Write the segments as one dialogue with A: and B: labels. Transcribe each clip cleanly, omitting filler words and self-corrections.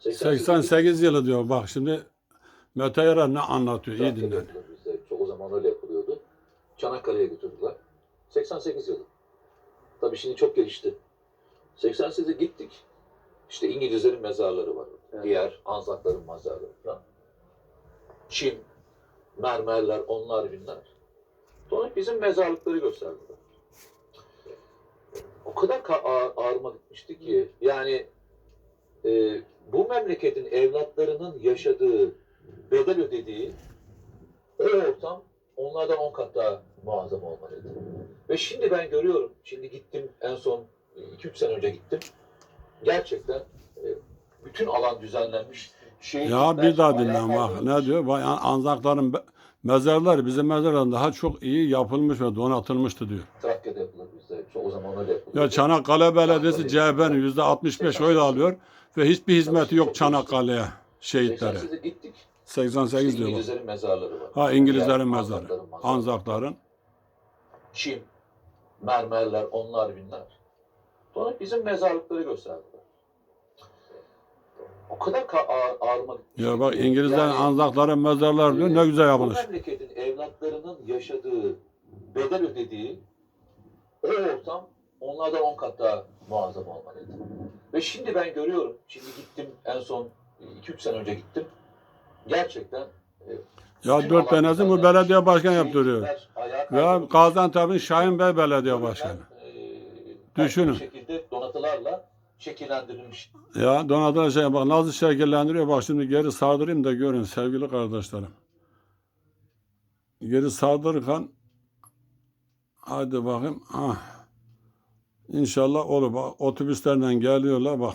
A: 88 yılı diyor. Bak şimdi Mete Yarar ne anlatıyor? İyi
B: Trakya'da
A: dinle.
B: yapılır bizde. O zaman öyle yapılıyordu. Çanakkale'ye götürdüler. 88 yılı. Tabii şimdi çok gelişti. 88'e gittik. İşte İngilizlerin mezarları var. Evet. Diğer Anzakların mezarları falan. Çim, mermerler, onlar binler. Sonra bizim mezarlıkları gösterdiler. O kadar ağrıma gitmişti ki yani bu memleketin evlatlarının yaşadığı, bedel ödediği o ortam onlardan 10 kat daha muazzam olmalıydı. Ve şimdi ben görüyorum, şimdi gittim en son 2-3 sene önce gittim. Gerçekten bütün alan düzenlenmiş.
A: Ya bir daha dinle bak ne diyor? Bak, Anzakların mezarları bizim mezarlardan daha çok iyi yapılmış ve donatılmıştı diyor.
B: Trakya'da yapılır bizde. O zaman öyle yapılıyor.
A: Ya Çanakkale Belediyesi CHP'nin %65 oy alıyor ve hiçbir hizmeti yok Çanakkale'ye, şehitlere.
B: 88'e gittik.
A: 88 diyor bak.
B: İngilizlerin mezarları var.
A: Ha İngilizlerin
B: Yani
A: mezarı. Anzakların.
B: Çim, mermerler, onlar binler. Sonra bizim mezarlıkları gösterdiler. O kadar ağrıma gitmiş.
A: Ya bak İngilizlerin Anzakların mezarları diyor ne güzel yapılmış.
B: Bu memleketin evlatlarının yaşadığı, bedel ödediği o ortam onlardan 10 kat daha muazzam olmalıydı. Ve şimdi ben görüyorum, şimdi gittim en son 2-3 sene önce gittim. Gerçekten
A: ya 4 tanesi bu belediye başkanı yaptırıyor. Ve Gaziantep'in Şahin Bey belediye başkanı. Düşünün.
B: Şekilde donatılarla şekillendirilmiş.
A: Ya donatılan şey bak nasıl şekillendiriyor. Bak şimdi geri sardırayım da görün sevgili kardeşlerim. Geri sardırırken hadi bakayım. Ah. İnşallah olur. Bak otobüslerden geliyorlar bak.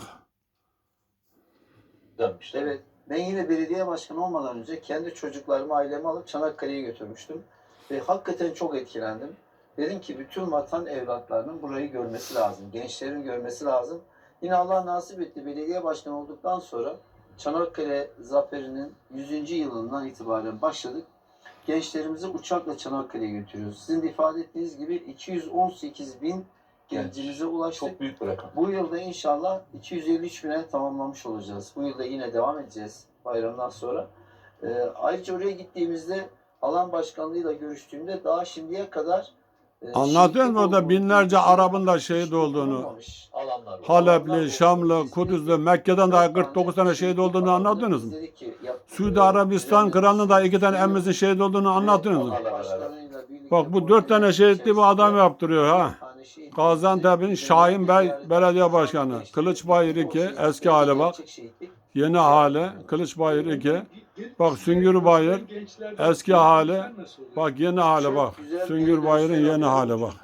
C: Evet. Ben yine belediye başkanı olmadan önce kendi çocuklarımı, ailemi alıp Çanakkale'ye götürmüştüm. Ve hakikaten çok etkilendim. Dedim ki bütün vatan evlatlarının burayı görmesi lazım. Gençlerin görmesi lazım. Yine Allah nasip etti. Belediye başkanı olduktan sonra Çanakkale Zaferi'nin 100. yılından itibaren başladık. Gençlerimizi uçakla Çanakkale'ye götürüyoruz. Sizin de ifade ettiğiniz gibi 218 bin gencimize ulaştık.
B: Çok büyük bir rakam.
C: Bu yılda inşallah 253 bine tamamlamış olacağız. Bu yılda yine devam edeceğiz bayramdan sonra. Ayrıca oraya gittiğimizde alan başkanlığıyla görüştüğümde daha şimdiye kadar
A: anlatıyor mu orada binlerce Arap'ın da şehit olduğunu? Halepli, Şamlı, Kudüs'lü, Mekke'den daha 49 tane şehit olduğunu anlattınız mı? Suudi Arabistan Kralı'nın da 2 tane emmimizin şehit olduğunu anlattınız mı? Bak bu 4 tane şehitli bu adam yaptırıyor ha. Gaziantep'in Şahin Bey Belediye Başkanı. Kılıçbayır 2 eski hali bak. Yeni hali Kılıçbayır 2. Bak Süngürbayır eski hali. Bak yeni hali bak. Süngürbayır'ın yeni hali bak.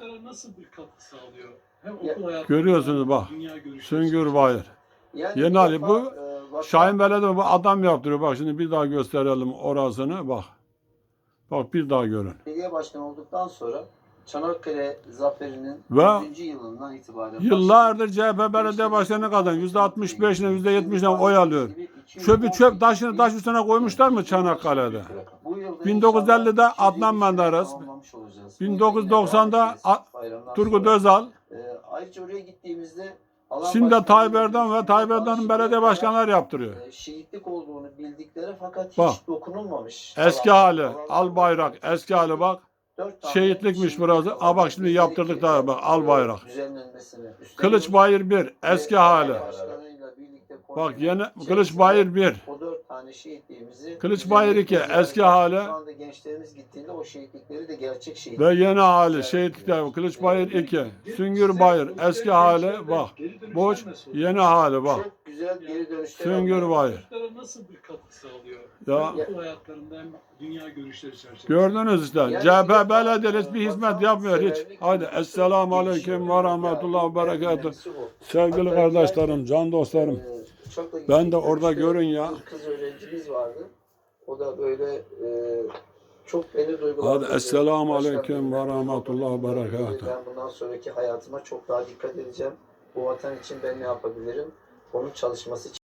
A: Görüyorsunuz bak. Süngürbayır. Yeni hali bu. Şahin Belediye bu adam yaptırıyor. Bak şimdi bir daha gösterelim orasını bak. Bak bir daha görün.
C: Belediye başkanı olduktan sonra Çanakkale Zaferi'nin
A: Ve
C: 100. yılından itibaren
A: yıllardır CHP belediye başkanı kadın %65'ine %70'ine oy alıyor. Çöpü çöp taşını taş üstüne koymuşlar mı Çanakkale'de? 1950'de Adnan Menderes, 1990'da Turgut Özal,
C: ayrıca oraya gittiğimizde
A: şimdi Tayyip Erdoğan ve Tayyip Erdoğan'ın belediye başkanları yaptırıyor.
C: Şehitlik olduğunu bildikleri fakat
A: bak,
C: hiç dokunulmamış.
A: Eski hali, al bayrak, eski hali bak. Şehitlikmiş burası. Aa bak şimdi yaptırdık daha bak al bayrak. Kılıçbayır 1 eski hali. Bak yeni Kılıçbayır 1.
C: O 4 tane şehitliğimizi
A: Kılıçbayır 2 eski hali.
C: Şu anda gençlerimiz gittiğinde o şehitlikleri de gerçek şehitlik.
A: Ve yeni hali şehitlikler Kılıçbayır 2. Süngürbayır eski hali bak. Boş yeni hali bak.
C: Çok güzel geri dönüşler.
A: Süngürbayır.
D: Nasıl bir katkı sağlıyor?
A: Ya
D: Okul hayatlarında hem dünya görüşleri çerçevesinde.
A: gördünüz işte. CHP belediye bir hizmet yapmıyor hiç. Hadi esselamu aleyküm ve rahmetullah ve berekatuhu. Sevgili kardeşlerim, can dostlarım. Ben de orada görün ya.
C: Bir kız öğrencimiz vardı. O da böyle çok beni duygulandırdı.
A: Hadi esselamu aleyküm ve rahmetullah ve berekatuhu.
C: Ben bundan sonraki hayatıma çok daha dikkat edeceğim. Bu vatan için ben ne yapabilirim? Onun çalışması için.